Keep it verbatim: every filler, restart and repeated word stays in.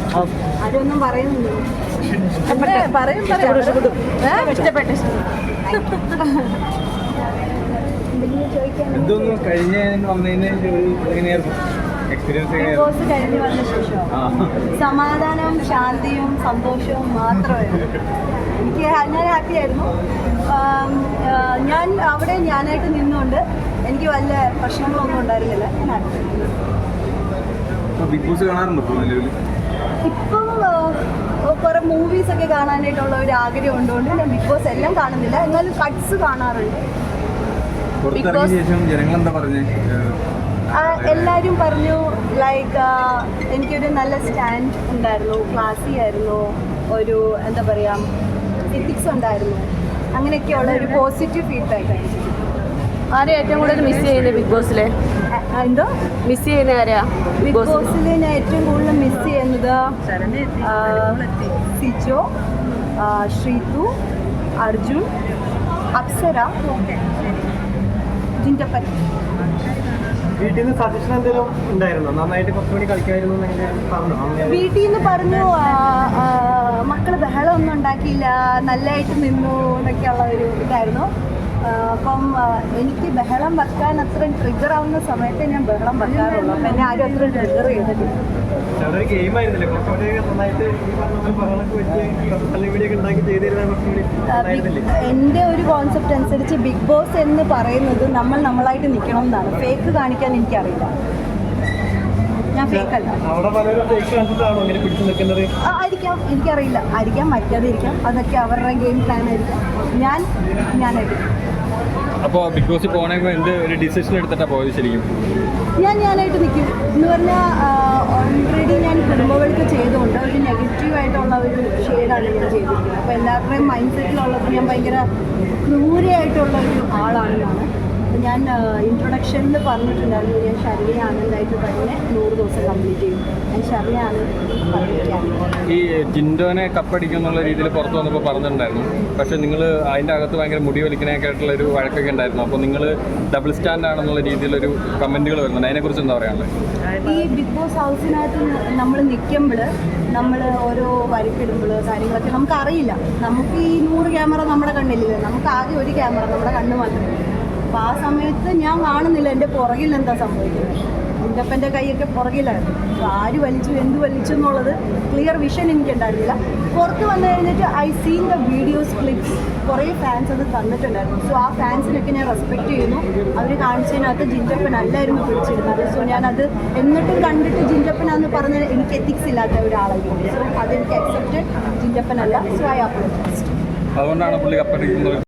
അതൊന്നും പറയുന്നില്ല. ഇഷ്ടപ്പെട്ടു. എന്തൊന്നും കഴിഞ്ഞ വന്നതിന് എങ്ങനെയായിരുന്നു എക്സ്പീരിയൻസ്? ബിഗ് ബോസ് കഴിഞ്ഞ് വന്ന ശേഷം സമാധാനവും ശാന്തിയും സന്തോഷവും മാത്രമായിരുന്നു എനിക്ക്. ഞാൻ ഹാപ്പി ആയിരുന്നു. ഞാൻ അവിടെ ഞാനായിട്ട് നിന്നുകൊണ്ട് എനിക്ക് വല്ല പ്രശ്നങ്ങളൊന്നും ഉണ്ടായിരുന്നില്ല. ഞാൻ ഹാപ്പി. ബിഗ് ബോസ് കാണാറുണ്ടോ നിലവിൽ? ഇപ്പം കുറേ മൂവീസൊക്കെ കാണാനായിട്ടുള്ള ഒരു ആഗ്രഹം ഉണ്ടുകൊണ്ട് ഞാൻ ബിഗ് ബോസ് എല്ലാം കാണുന്നില്ല, എന്നാലും കട്ട്സ് കാണാറുണ്ട്. എല്ലാവരും പറഞ്ഞു ലൈക്ക് എനിക്കൊരു നല്ല സ്റ്റാൻഡ് ഉണ്ടായിരുന്നു, ക്ലാസി ആയിരുന്നു, ഒരു എന്താ പറയുക എത്തിക്സ് ഉണ്ടായിരുന്നു, അങ്ങനെയൊക്കെയുള്ള ഒരു പോസിറ്റീവ് ഫീഡ്ബാക്ക് ആയിരുന്നു. ആരെയും ഏറ്റവും കൂടുതൽ മിസ് ചെയ്യുന്നത് ബിഗ് ബോസിലെ? എന്തോ മിസ് ചെയ്യുന്ന ആരെയാ ബിഗ് ബോസിൽ ഞാൻ ഏറ്റവും കൂടുതൽ മിസ് ചെയ്യുന്നത് സിജോ, ശ്രീതു, അർജുൻ, അപ്സര, ജിൻറ്റപ്പൻ. വീട്ടിൽ നിന്ന് സജഷൻ എന്തെങ്കിലും ഉണ്ടായിരുന്നോ? നന്നായിട്ട് കുറച്ച് മണി കളിക്കായിരുന്നു പറഞ്ഞു. വീട്ടിൽ നിന്ന് പറഞ്ഞു മക്കൾ ബഹളം ഒന്നും ഉണ്ടാക്കിയില്ല, നല്ലതായിട്ട് നിന്നു എന്നൊക്കെയുള്ള ഒരു ഇതായിരുന്നു. അപ്പം എനിക്ക് ബഹളം വെക്കാൻ അത്രയും ട്രിഗർ ആവുന്ന സമയത്ത് ഞാൻ ബഹളം വെക്കാറുള്ളൂ. അപ്പം എന്നെ ആരും അത്രയും ട്രിഗർ ചെയ്തിട്ടില്ല. എൻ്റെ ഒരു കോൺസെപ്റ്റ് അനുസരിച്ച് ബിഗ് ബോസ് എന്ന് പറയുന്നത് നമ്മൾ നമ്മളായിട്ട് നിൽക്കണം എന്നാണ്. ഫേക്ക് കാണിക്കാൻ എനിക്കറിയില്ല. ഞാൻ ഫേക്ക് അല്ല. ആയിരിക്കാം, എനിക്കറിയില്ല. ആയിരിക്കാം, മറ്റാതിരിക്കാം. അതൊക്കെ അവരുടെ ഗെയിം പ്ലാൻ ആയിരിക്കാം. ഞാൻ ഞാനായിരിക്കും. അപ്പോൾ ബിഗ് ബോസിൽ പോകണമെങ്കിൽ എന്ത് ഒരു ഡിസിഷൻ എടുത്തിട്ടാണ് പോയത് ശരിക്കും? ഞാൻ ഞാനായിട്ട് നിൽക്കും എന്ന് പറഞ്ഞാൽ ഓൾറെഡി ഞാൻ കുടുംബങ്ങൾക്ക് ചെയ്തുകൊണ്ട് ഒരു നെഗറ്റീവായിട്ടുള്ള ഒരു ഷെയ്ഡാണ് ഞാൻ ചെയ്തിരിക്കുന്നത്. അപ്പോൾ എല്ലാവരുടെയും മൈൻഡ് സെറ്റിലുള്ളത് ഞാൻ ഭയങ്കര ക്രൂരയായിട്ടുള്ള ഒരു ആളാണെന്നാണ്. അപ്പോൾ ഞാൻ ഇൻട്രൊഡക്ഷനിൽ പറഞ്ഞിട്ടുണ്ടായിരുന്നു ഞാൻ ഷർലി ആനന്ദായിട്ട് തന്നെ നൂറ് ദിവസം കംപ്ലീറ്റ് ചെയ്യും. ഞാൻ ഷർലി ആനന്ദ് പറഞ്ഞിരിക്കുകയാണ്. ഈ ജിൻഡോനെ കപ്പടിക്കും എന്നുള്ള രീതിയിൽ പുറത്ത് വന്നപ്പോൾ പറഞ്ഞിട്ടുണ്ടായിരുന്നു. പക്ഷേ നിങ്ങൾ അതിൻ്റെ അകത്ത് ഭയങ്കര മുടി വലിക്കണൊക്കെ ആയിട്ടുള്ള ഒരു വഴക്കൊക്കെ ഉണ്ടായിരുന്നു. അപ്പോൾ നിങ്ങൾ ഡബിൾ സ്റ്റാൻഡ് ആണെന്നുള്ള രീതിയിലൊരു കമൻറ്റുകൾ വരുന്നുണ്ട്. അതിനെക്കുറിച്ച് എന്താ പറയാനുള്ളത്? ഈ ബിഗ് ബോസ് ഹൗസിനകത്ത് നമ്മൾ നിൽക്കുമ്പോൾ നമ്മൾ ഓരോ വരക്കിടുമ്പോൾ കാര്യങ്ങളൊക്കെ നമുക്കറിയില്ല. നമുക്ക് ഈ നൂറ് ക്യാമറ നമ്മുടെ കണ്ണിലില്ല, നമുക്ക് ആകെ ഒരു ക്യാമറ നമ്മുടെ കണ്ണ് മാത്രമേ. അപ്പോൾ ആ സമയത്ത് ഞാൻ കാണുന്നില്ല എൻ്റെ പുറകിൽ എന്താ സംഭവിക്കുന്നത്. ജിൻറ്റപ്പൻ്റെ കൈയൊക്കെ പുറകിലായിരുന്നു. അപ്പോൾ ആര് വലിച്ചു എന്ത് വലിച്ചു എന്നുള്ളത് ക്ലിയർ വിഷൻ എനിക്കുണ്ടായിരുന്നില്ല. പുറത്ത് വന്നു കഴിഞ്ഞിട്ട് I seen the videos clips കുറേ ഫാൻസ് അത് തന്നിട്ടുണ്ടായിരുന്നു. സോ ആ ഫാൻസിനൊക്കെ ഞാൻ റെസ്പെക്റ്റ് ചെയ്യുന്നു. അവർ കാണിച്ചതിനകത്ത് ജിൻറ്റപ്പൻ അല്ലായിരുന്നു പിടിച്ചിരുന്നത്. സോ ഞാനത് എന്നിട്ടും കണ്ടിട്ട് ജിൻറ്റപ്പനാന്ന് പറഞ്ഞ് എനിക്ക് എത്തിക്സ് ഇല്ലാത്ത ഒരാളായിരുന്നു. സോ അതെനിക്ക് അക്സെപ്റ്റഡ്. ജിൻറ്റപ്പൻ അല്ല. So I upload. അതുകൊണ്ടാണ് പുള്ളി കപ്പടിക്കുന്നത്.